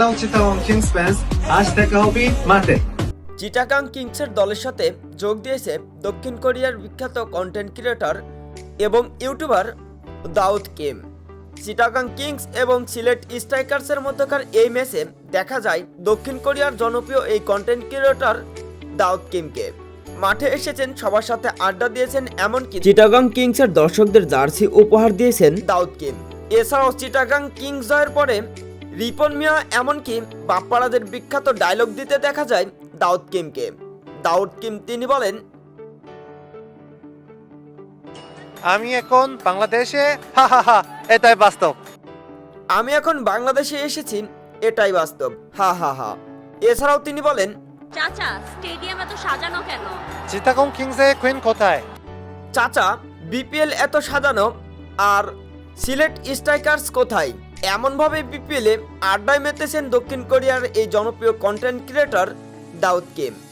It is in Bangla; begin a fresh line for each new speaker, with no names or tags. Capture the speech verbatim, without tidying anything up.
হ্যালো চিটাগং কিংস ফ্যান্স, আজ দেখা হবে মাঠে।
চিটাগাং কিংসের দলের সাথে যোগ দিয়েছে দক্ষিণ কোরিয়ার বিখ্যাত কন্টেন্ট ক্রিয়েটর এবং YouTuber Daud Kim. Chittagong Kings এবং সিলেট স্ট্রাইকার্সের মধ্যকার এই ম্যাচে দেখা যায় দক্ষিণ কোরিয়ার জনপ্রিয় এই কন্টেন্ট ক্রিয়েটর দাউদ কিমকে। মাঠে এসেছেন, সবার সাথে আড্ডা দিয়েছেন, এমনকি চিটাগাং কিংসের দর্শকদের জার্সি উপহার দিয়েছেন দাউদ কিম। এছাড়াও চিটাগাং কিংস জয়ের পরে রিপন মিয়া এমনকি বাপ্পারাদের বিখ্যাত ডায়লগ দিতে দেখা যায় দাউদ কিমকে। দাউদ কিম তিনি বলেন,
আমি এখন বাংলাদেশে, হা হা হা, এটাই বাস্তব।
আমি এখন বাংলাদেশে এসেছি, এটাই বাস্তব, হা হা হা। এছাড়াও তিনি বলেন,
চাচা স্টেডিয়াম এত সাজানো কেন?
চিটাগং কিংসে কুইন কোথায়?
চাচা বিপিএল এত সাজানো আর সিলেট স্ট্রাইকার্স কোথায়? এমনভাবে বিপিএলে আড্ডায় মেতেছেন দক্ষিণ কোরিয়ার এই জনপ্রিয় কন্টেন্ট ক্রিয়েটর দাউদ কিম।